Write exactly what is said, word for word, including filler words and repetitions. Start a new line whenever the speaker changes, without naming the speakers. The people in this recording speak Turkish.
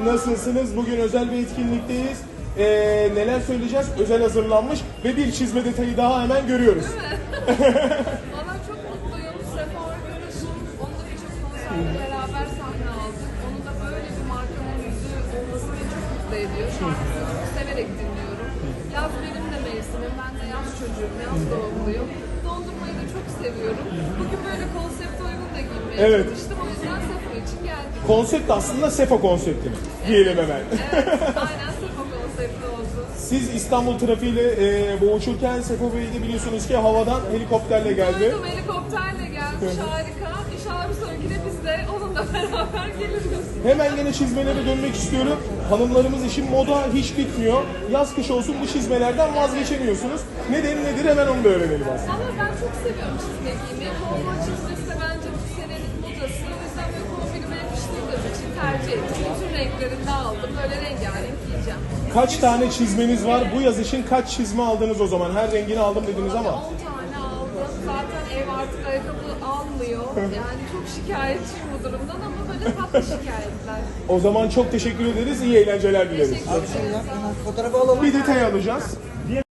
nasılsınız? Bugün özel bir etkinlikteyiz. Ee, neler söyleyeceğiz? Özel hazırlanmış ve bir çizme detayı daha hemen görüyoruz.
Valla çok mutluyum. Sefa arkadaşım, onunla birçok konserde beraber sahne aldık. Onun da böyle bir markanın yüzü olması beni çok mutlu ediyor. Şarkısını çok severek dinliyorum. Yaz benim de mevsimim. Ben de yaz çocuğum, yaz doğumluyum. Dondurmayı da çok seviyorum. Bugün böyle konsepte uygun da giymeye
Evet.
çalıştım. O yüzden Sefa için geldim.
Konsept aslında Sefa konsepti diyelim hemen.
Evet, aynen Sefa konsepti oldu.
Siz İstanbul trafiğiyle e, boğuşurken Sefa Bey de biliyorsunuz ki havadan helikopterle geldi.
Duydum, helikopterle gelmiş, harika. İnşallah bir sonrakine biz de onunla beraber geliriz.
Hemen yine çizmelere dönmek istiyorum. Hanımlarımız için moda hiç bitmiyor. Yaz kış olsun bu çizmelerden vazgeçemiyorsunuz. Nedeni nedir hemen onu da öğrenelim aslında.
Ama ben çok seviyorum çizme giymeyi. Kovboy çizmesi de bence bu senenin modası. O yüzden böyle kombinime yakıştırdığım için tercih ettim. Bütün renklerinde aldım. Böyle rengarenk giyeceğim.
Kaç tane çizmeniz var? Bu yaz için kaç çizme aldınız o zaman? Her rengini aldım dediniz ama.
on tane aldım. Zaten ev artık ayakkabı almıyor. Yani çok şikayetçiyim bu durumdan ama böyle tatlı şikayetler.
O zaman çok teşekkür ederiz. İyi eğlenceler dileriz.
Teşekkür ederim.
Fotoğrafı alalım.
Bir detay alacağız.